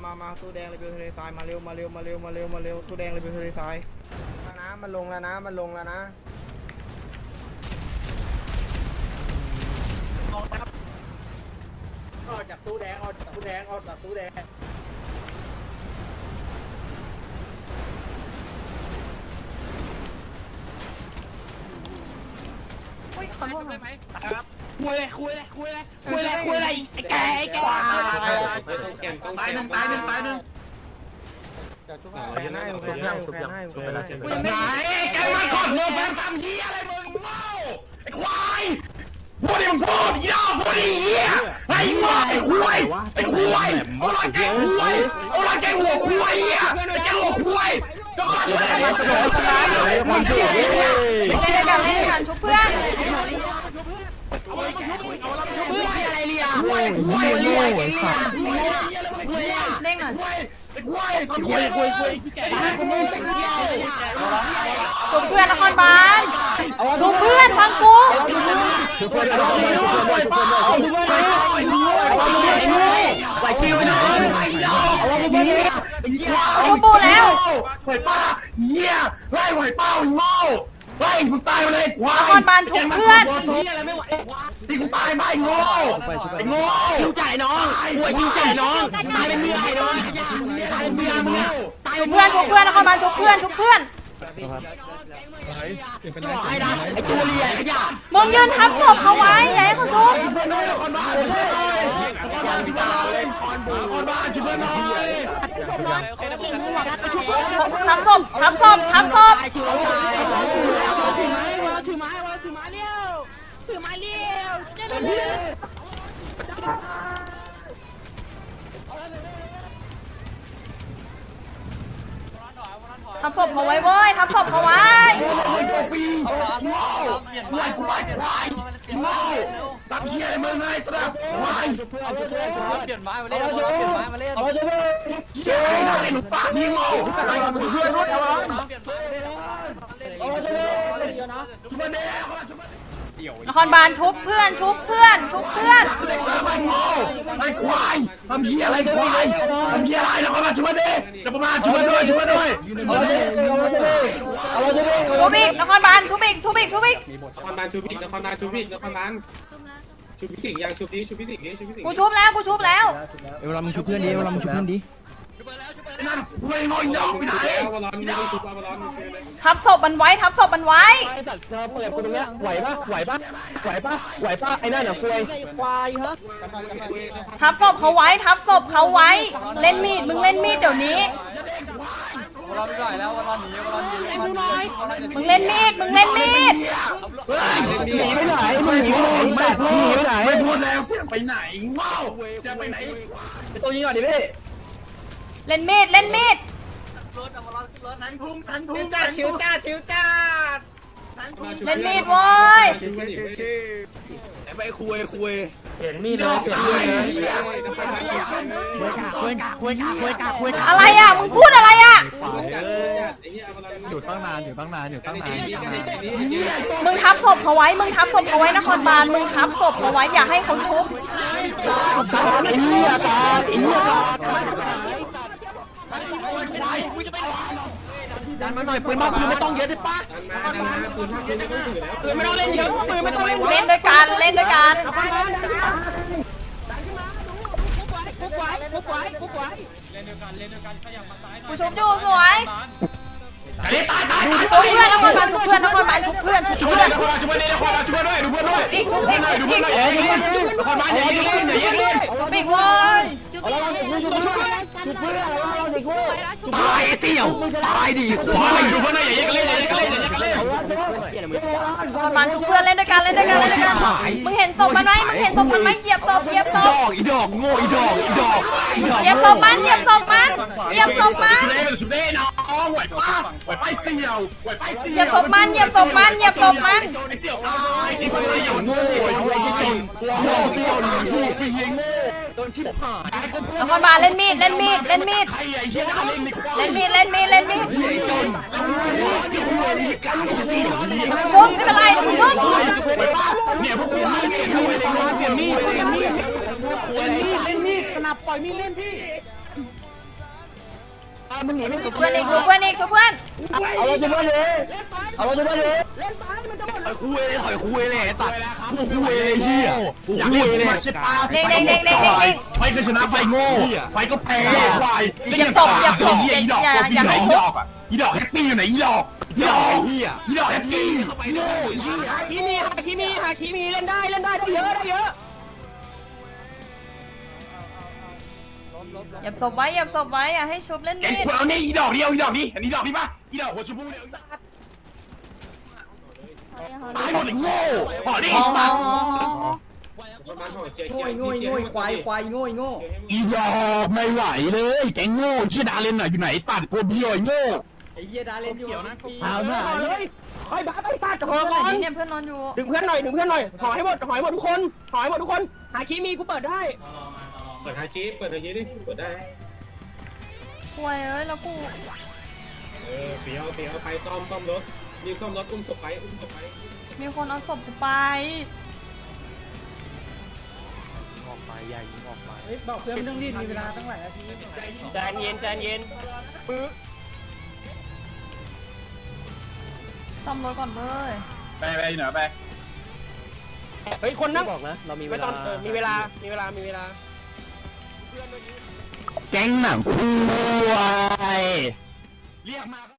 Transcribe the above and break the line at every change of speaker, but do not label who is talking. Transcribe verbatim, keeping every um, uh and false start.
มามาตู้แดงเลยเบลทะเลทรายมาเร็วมาเร็วมาเร็วมาเร็วมาเร็วตู้แดงเลยเบลทะเลทรายนะมันลงแล้วนะมันลงแล้วนะ
ออกจากตู้แดงออกจากตู้แดงออกจากตู้แดง
คุยขอโทษหน่อย
คุยเลยคุยเลยคุยเลยคุยเลยคุยเลยไอ้แกไอ้แกตายหนึ่งตายหนึ่งตายหนึ่ง
แฟนให้แฟนให้แฟนให้
ไหนแกมาก่อนเร็วแฟนทำเหี้ยอะไรมึงเมาไอ้ควายพูดดิมึงพูดอีดอกพูดดิเหี้ยไอ้หม้อไอ้ควายไอ้ควายเอาละแกควายเอาละแกหัวควายเหี้ยไอ้แกหัวควายก็ขอช่วยกันมาช่วยกันมาช่วยกัน
เล่นด้วยกันเล่นด้วยกันชุบเพื่อน
อะไรเลียควายควายควายสัตว์
เล่นหน่อย
ควายควายควายควายแก
ชุบเพื่อนนครบาลชุบเพื่อนฟังกู
ช่วยเพื่อนช่วยเพื่อนช่วยเพื่อนช่วยเพื่อนช่วยเพื่อนไหวชิวไปหน่อยไหวดอกเหี้ย
ชุบปูแล้ว
ไหวป้าเหี้ยไล่ไหวป้าไอ้โง่ไล่มึงตายมาเลยควาย
นครบาลชุบเพื่อน
ตีกูตายไปโง่ไอ้โง่ชิวจ่ายน้องหัวชิวจ่ายน้องตายเป็นเมียไอ้น้องตายเป็นเมียมึงตาย
ชุบเพื่อนชุบเพื่อนนครบาลชุบเพื่อนชุบเพื่อน
บอกให้นะไอ้ตัวเลียไอ้ยา
มึงยืนทับศพเขาไว้อย่าให้เขาชุบ
ช่วยหน่อยนครบาลช่วยหน่อยนครบาลช่วยหน่อยนครบาลช่วยหน่อย
ทับศพทับศพทับศพ
ชิวชาย
ถือไม้วะถือไม้เลี้ยวถือไม้เลี้ยว
ทับศพเขาไว้เว้ยทับศพเขาไว้
ฟรีโง่ไหวกูไปไหวโง่ตับเหี้ยอะไรมึงไงสนับไหว
เปลี่ยนไม้มาเล่นเปลี่ยนไม้มาเล่นเอาเลย
เหี้ยไอ้นั่นไอ้หนูปากนี่โง่ไอ้กับเพื่อนรถเอา
เปลี่ยนไม้มาเล่นเอาเลยเยอะนะ
ชุบมาเด้เขาชุบมาน
ครบาลชุบเพื่อนชุบเพื่อนชุบเพื่อน
เด็กเติมไอ้โง่ไอ้ควายทำเหี้ยอะไรควายทำเหี้ยอะไรนะเขามาชุบมาเด้จะประมาณชุบมาด้วยชุบมาด้วยเอาเลยเอาเลย
ชุบอีกนครบาลชุบอีกชุบอีกชุบอีก
นครบาลชูพิกนครบาลชูพิกนครบาลชูพิสิงยังชูพิชูพิสิงนี่ชูพิสิง
กูชุบแล้วกูชุบแล้ว
เอวเรามึงชุบเพื่อนดิเอวเรามึงชุบเพื่อนดิ
นั่นเว้ยงอยดอกไปไหน
เอาบอลลอนไม่ได้ชูบอลลอน
ทับศพมันไว้ทับศพมันไว้
ไอ้สัตว์เธอเปิดกูตรงเนี้ยไหวปะไหวปะไหวปะไหวปะไอ้นั่นอ่ะควยควายฮะ
ทับศพเขาไว้ทับศพเขาไว้ เล่นมีดมึงเล่นมีดเดี๋ยวนี้
วอลไม่ไหวแล้ววอลหนีวอลหนีวอลหนี
มึงเล่นมีดมึงเล่นมีด
หนีไปไหนมึงหนีไปไหนหนีไปไหน
ไม่พูดแล้วเสียไปไหนเมาเสียไปไหน
ตัวยิงก่อนดิพี่
เล่นมีดเล่นมีด
รถเอาวอลขึ้นรถทันพุ่งทันพุ่งจ้าชิวจ้าชิวจ้า
เล่นมีดเว้ย
ไปคุยคุย
เปลี่ยนมีดเลยเปลี่ยนมีดเลย
คุยกะคุยกะคุยกะคุยกะ
อะไรอ่ะมึงพูดอะไรอ่ะ
อยู่ตั้งนานอยู่ตั้งนานอยู่ตั้งนาน
มึงทับศพเขาไว้มึงทับศพเขาไว้นครบาลมึงทับศพเขาไว้อย่าให้เขาชุบ
ไอ้เหี้ยตาไอ้เหี้ยตา
ดันมาหน่อยปืนบ้าปืนไม่ต้องเยอะได้ปะ
ปืนปืนไม่ต้องถือแล้ว
ปืนไม่ต้องเล่นเยอะปืนไม่ต้องเล่น
เล่นด้วยกันเล่นด้วยกันกูชุบอยู่สวย
ตายตายตาย
ชุบเพื่อนนครบาลชุบเพื่อนนครบาลชุบเพื่อนชุบ
ช่วย
เพื่อน
ด้วยช่วยด้วยช่วยด้วยช่วยด้วยดูเพื่อนด้วย
อีกชุบอีก
ดูเพื่อนด้วยอย่ายิงเล่นคนมาอย่ายิงเล่นอย่ายิงเล่น
ชุบอีกเว้ย
ตายเสี่ยวตายดิควายดูเพื่อนด้วยอย่ายิงเล่นอย่ายิงเล่นอย่ายิงเล่น
นครบาลชุบเพื่อนเล่นด้วยกันเล่นด้วยกันเล่นด้วยกันมึงเห็นศพมันไหมมึงเห็นศพมันไหมเหยียบศพเหยียบศ
ด
พ
อกอีดอกโง่อีดอกอีดอกอีดอก
เหยียบศพมันเหยียบศพมันเหยียบศพมัน
ชุดเล่เป็นชุดเล่น้องไหวป้าไหวป้าเสี่ยวไหวป้าเสี่ยว
เหยียบศพมันเหยียบศพมันเหยียบศพมัน
ไอ้เสี่ยวตายไอ้คนไม่หยุดโง่ไอ้คนจนโง่จนโง่ขี้เงี้ยโง่โดนชิบหาย
นครบาลเล่นมีดเล่นมีดเล่นมีด
ใครไอ้เชี่ยน่าเล่นในควาย
เล่นมีดเล่นมีดเล่นมีด
ไอ้จนที่คุณเลยที่กลางที่สี่เลี้ยง
ชุบไม่เป็นไรชุบ
ไปป้าเนี่ยพวกคุณมาเนี่ยทำไมในงานเปลี่ยนมีดเปลี่ยนมีด
เล่นมีดเล่นมีดสนับปล่อยมีดเล่นพี่
มึงหนีไม่
ชุบเพื่อนอีกชุบเพื่อนอีกชุบเพื่อน
เอาเราจะมาเลยเอาเราจะมาเลยเล่นไปมันจะหมด
ถอยคุยเลยถอยคุยเลยไอ้สัตว์กูคุยเลยเฮียอยากเล่นมาชิปา
เด้งเด้งเด้งเด้งเด้งเด้ง
ไฟก็ชนะไฟโง่ไฟก็แพ้ควาย
อย่าตบอย่าตบ
เฮียอีดอก
อย่า
ตัวพี่
อย่า
ไหน
ให้
อี
ทุบ
ดอกอ่ะอีดอกแฮปปี้อยู่ไหนอีดอกอีดอกเฮียอีดอกแฮปปี้โง่เฮีย
ฮาคิมีฮาคิมีฮาคิมีเล่นได้เล่นได้ได้เยอะได้เยอะ
เหยียบศพไว้เหยียบศพไว้อย่าให้ชุบเล่น
เอ็ง
มีด
ควรเอานี่อีดอกเดียวอีดอกนี้อันนี้ดอกนี้ป่ะอีดอกหัวชมพูเดียวตายหมดไอ้โง่ห่อดิ
อ๋อ
สัตว์
อ๋ออ๋อ
ประมาณห่อเจีย
โง่โง่โง่ควายควายโง่โง่
อีดอกไม่ไหวเลยแกงโง่ชื่อดาเลนหน่อยอยู่ไหนตัดตัวเบี้ยวไอ้โง่
ไอ้เหี้ยดาเล่นอยู่เอาหน่อยเลยไปบ้าไปตาจะขอ
เพื่อน
ก่อน
เนี่ยเพื่อนนอนอยู่
ดึงเพื่อนหน่อยดึงเพื่อนหน่อยหอยให้หมดหอยหมดทุกคนหอยหมดทุกคนหาคิมีกูเปิดได้
เปิดฮาจิเปิดฮาจิดิเปิดได้
ป่วยเอ้ยแล้วกู
เออเปียวเปียวไปซ่อมซ่อมรถรีบซ่อมรถอุ้มศพไปอุ้มศพไป
มีคนเอาศพกูไป
บอกเพื่อนไม่ต้องรีบมีเวลาตั้งหลายนาทีใจเย็นใจเย็น
ซ่อมรถก่อนเว้ย
ไปไปเหนือไป
เฮ้ยคนนั่งบอกนะเรามีเวลามีเวลามีเวลามีเวลา
แก๊งหนังควายเรียกมา